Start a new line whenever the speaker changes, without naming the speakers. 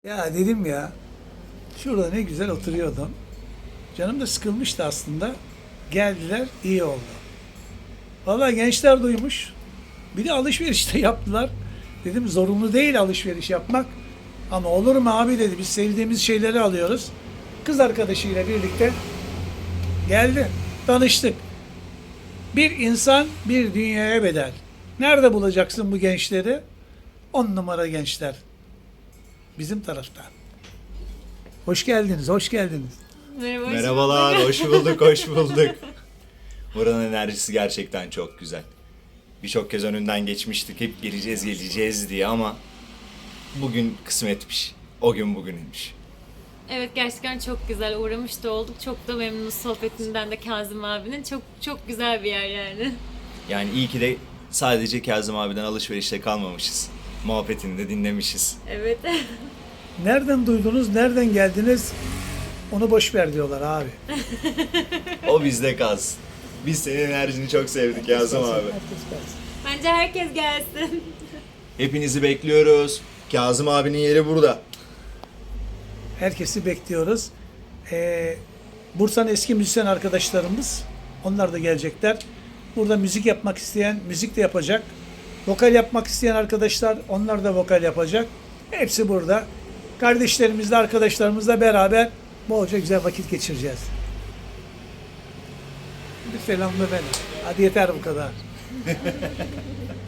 Ya dedim ya, şurada ne güzel oturuyordum. Canım da sıkılmıştı aslında. Geldiler, iyi oldu. Vallahi gençler duymuş. Bir de alışveriş de yaptılar. Dedim zorunlu değil alışveriş yapmak. Ama olur mu abi dedi, biz sevdiğimiz şeyleri alıyoruz. Kız arkadaşıyla birlikte geldi, tanıştık. Bir insan bir dünyaya bedel. Nerede bulacaksın bu gençleri? 10 numara gençler. Bizim tarafta. Hoş geldiniz, hoş geldiniz.
Merhaba, hoş
Merhabalar,
bulduk.
hoş bulduk, hoş bulduk. Buranın enerjisi gerçekten çok güzel. Birçok kez önünden geçmiştik, hep geleceğiz diye ama bugün kısmetmiş. O gün bugünmüş.
Evet, gerçekten çok güzel. Uğramış da olduk. Çok da memnunuz sohbetinden de Kazım abinin. Çok çok güzel bir yer yani.
Yani iyi ki de sadece Kazım abiden alışverişte kalmamışız. Muhabbetini de dinlemişiz.
Evet.
Nereden duydunuz, nereden geldiniz? Onu boş ver diyorlar abi.
O bizde kalsın. Biz senin enerjini çok sevdik Kazım abi.
Herkes kalsın.
Bence herkes gelsin.
Hepinizi bekliyoruz. Kazım abinin yeri burada.
Herkesi bekliyoruz. Bursa'nın eski müzisyen arkadaşlarımız, onlar da gelecekler. Burada müzik yapmak isteyen müzik de yapacak. Vokal yapmak isteyen arkadaşlar, onlar da vokal yapacak. Hepsi burada. Kardeşlerimizle, arkadaşlarımızla beraber bolca güzel vakit geçireceğiz. Bir selamla ben. Hadi yeter bu kadar.